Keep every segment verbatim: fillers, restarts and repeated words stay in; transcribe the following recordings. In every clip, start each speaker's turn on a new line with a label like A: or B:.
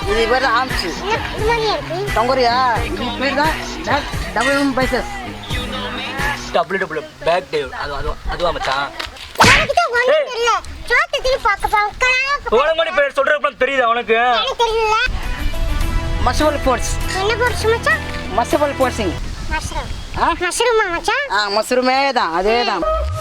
A: இது பேர் ஆம்ஸ். தொங்குறியா? இது பேர் தான் double M biceps.
B: Double double back day. அது அது அதுவா மச்சான்? உனக்கு பேர் சொல்றப்ப தெரியுதா உனக்கு?
A: மஷபல் ஃபோர்ஸ்.
C: என்ன ஃபோர்ஸ் மச்சான்?
A: மஷபல் ஃபோர்சிங்.
C: மஷ்ரூம். ஆ மஷ்ரூமா மச்சான்?
A: ஆ மஷ்ரூமே தான், அதே தான்.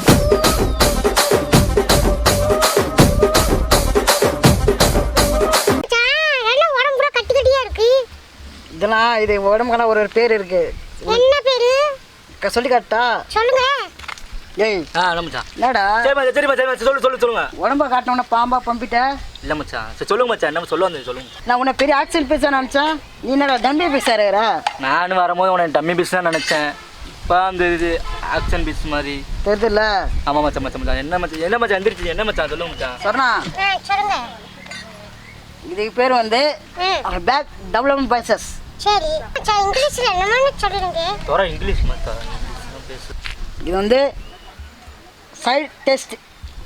A: இதெல்லாம் இது உடம்புக்கான ஒரு ஒரு பேர் இருக்கு.
C: என்ன பேரு?
A: சொல்லி காட்டா?
C: சொல்லுங்க.
A: ஏய்
B: ஆ இல்ல மச்சான்.
A: என்னடா?
B: சரி மச்சான் சரி மச்சான் சொல்லு சொல்லு சொல்லுங்க.
A: உடம்ப காட்டணும்னா பாம்பா பம்பிட்ட?
B: இல்ல மச்சான் சரி சொல்லுங்க மச்சான் என்ன சொல்ல வந்தீங்க சொல்லுங்க.
A: நான் உன்னை பெரிய ஆக்சன் பேச நினைச்சேன், நீ என்னடா டம்மி பேசுறா?
B: நானும் வரும்போது உனக்கு டம்மி பீஸ் தான் நினைச்சேன். இப்போ அந்த இது ஆக்ஷன் பீஸ் மாதிரி
A: தெரியுதுல்ல?
B: ஆமா மச்சான் மச்சான் மச்சான் என்ன மச்சான் என்ன மச்சான் எந்திரிச்சு என்ன மச்சான் சொல்லுங்க மச்சான்.
A: சொன்னா
C: சொல்லுங்க.
A: இதுக்கு பேர் வந்து பேக் டபுள் எம் பைசஸ்.
C: சரி மச்சான் இங்கிலீஷ்ல என்னன்னு சொல்லுங்க.
B: தோற இங்கிலீஷ் மச்சான் இங்கிலீஷ்ல பேசு.
A: இது வந்து side test.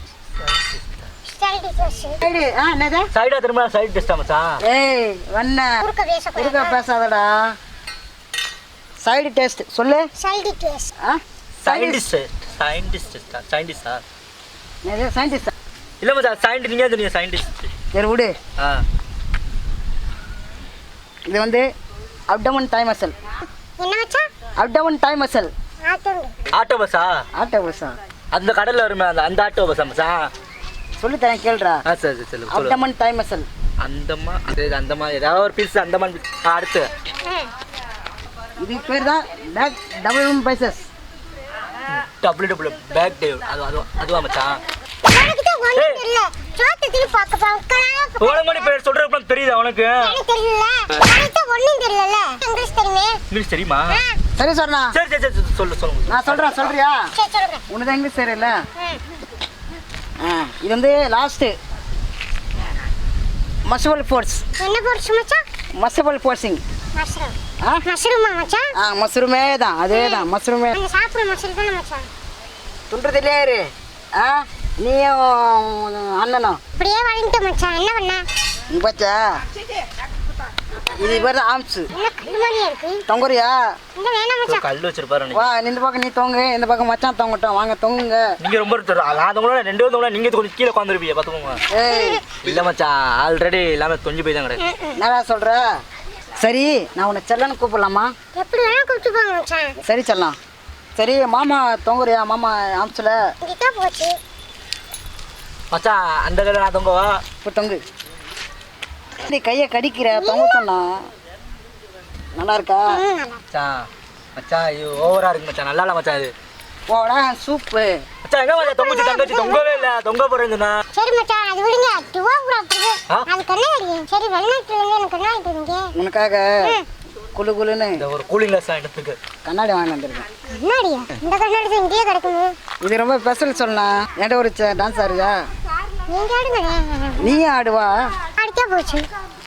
C: Side test.
A: Side ஆ என்னது?
B: சைடா திரும்ப சைடு டெஸ்டா மச்சான்?
A: ஏய் வண்ண
C: குறுக்க பேச
A: குறுக்க பேசாதடா. சைடு டெஸ்ட் சொல்லு.
C: Side test.
A: ஆ
B: சயின்டிஸ்ட் சயின்டிஸ்ட் சயின்டிஸ்டா?
A: என்னது சயின்டிஸ்ட்?
B: இல்ல மச்சான் சயின்டிஸ்ட் நீங்க தெரியும் சயின்டிஸ்ட்.
A: சரி விடு.
B: ஆ
A: இது வந்து அப்டமன் டைம் மசில்.
C: என்ன மச்சான்?
A: Abdomen time muscle.
C: ஆட்டோங்க.
B: ஆட்டோ பஸ்ஸா?
A: ஆட்டோ பஸ்ஸா?
B: அந்த கடல்ல வருமே அந்த அந்த ஆட்டோ பஸ்ஸா மச்சான்?
A: சொல்லி தரேன் கேளுடா.
B: ஆ சரி சரி சொல்லு.
A: Abdomen time muscle.
B: அந்தமா அது அந்தமா ஏதாவது ஒரு பீஸ் அந்தமான் பீஸ். அடுத்து
A: இதுக்கு பேர் தான் back double M biceps.
B: Double double back day. அது அது அதுவா மச்சான்?
C: உனக்கு தான் ஒண்ணும் தெரியல. சோத்தத்துல பாக்க பாக்க
B: உனக்கு பேர் சொல்றப்ப தெரியுதா உனக்கு?
C: எனக்கு தெரியல. உனக்கு தான் ஒண்ணும் தெரியல. இங்கிலீஷ் தெரியுமே?
B: இங்கிலீஷ் தெரியுமா?
A: சரி சொன்னா?
B: சரி சரி சரி சொல்லு சொல்லுங்க.
A: நான் சொல்றேன் சொல்றியா?
C: சரி சொல்லுங்க.
A: உனக்கு தான் இங்கிலீஷ் தெரியல. ஆ இது வந்து லாஸ்ட் மஷபல் ஃபோர்ஸ்.
C: என்ன ஃபோர்ஸ் மச்சான்?
A: மஷபல் ஃபோர்சிங்.
C: மஷ்ரூம்.
A: ஆ
C: மஷ்ரூமா மச்சான்?
A: ஆ மஷ்ரூமே தான், அதே தான் மஷ்ரூமே.
C: நீங்க சாப்பிடுற மஷ்ரூம் தான மச்சான்?
A: துன்றதுலே இரு. ஆ நீயும் அண்ணனும்
C: அப்படியே வாங்கிட்டு மச்சான். என்ன பண்ண?
A: நீ பார்த்தா இது பேர் ஆம்ஸ்.
C: என்ன கல்லு மாதிரியா இருக்கு?
A: தொங்குறியா?
C: இந்த வேணாம் மச்சான்.
B: கல் வச்சிருப்பாரு.
A: வா இந்த பக்கம் நீ தொங்கு, இந்த பக்கம் மச்சான் தொங்கட்டும். வாங்க தொங்குங்க.
B: நீங்க ரொம்ப அதவங்களோட ரெண்டு பேரும் நீங்க கொஞ்சம் கீழே உட்காந்துருப்பீங்க பாத்துக்கோங்க.
A: ஏய்
B: இல்ல மச்சான் ஆல்ரெடி எல்லாமே தொஞ்சு போய் தான் கிடையாது.
A: என்னடா சொல்ற? சரி நான் உன்னை செல்லன்னு கூப்பிடலாமா?
C: எப்படி வேணா கூப்பிட்டு போங்க மச்சான்.
A: சரி செல்லாம். சரி மாமா தொங்குறியா? மாமா ஆம்ஸ்ல
C: இங்க போச்சு.
B: மச்சான் அந்த கடை நான் தொங்கவா?
A: இப்போ தொங்கு. நீ கையை கடிக்கிற தொங்க சொன்னா நல்லா இருக்கா?
B: மச்சான் மச்சான் இது ஓவரா இருக்கு மச்சான். நல்லா இல்ல மச்சான் இது.
A: போடா சூப்பு.
B: மச்சான் எங்க மச்சான் தொங்குச்சு தங்கச்சி தொங்கவே இல்ல. தொங்க போறேன்னா
C: சரி மச்சான் அது விடுங்க. துவா புறாக்குது. அது கண்ணாடி. சரி வெளிநாட்டுல இருந்து எனக்கு கண்ணாடி கொடுங்க.
A: உனக்காக குளு குளுன்னு
B: இந்த ஒரு கூலிங் கிளாஸ் எடுத்துக்கு
A: கண்ணாடி வாங்கி வந்திருக்கேன்.
C: கண்ணாடியா? இந்த கண்ணாடி தான் இங்கேயே கிடக்குது.
A: இது ரொம்ப ஸ்பெஷல் சொல்லலாம். என்கிட்ட ஒரு டான்ஸ் ஆடுறியா?
C: நீங்க ஆடுங்க.
A: நீயும் ஆடுவா?
C: அடிக்கா போச்சு.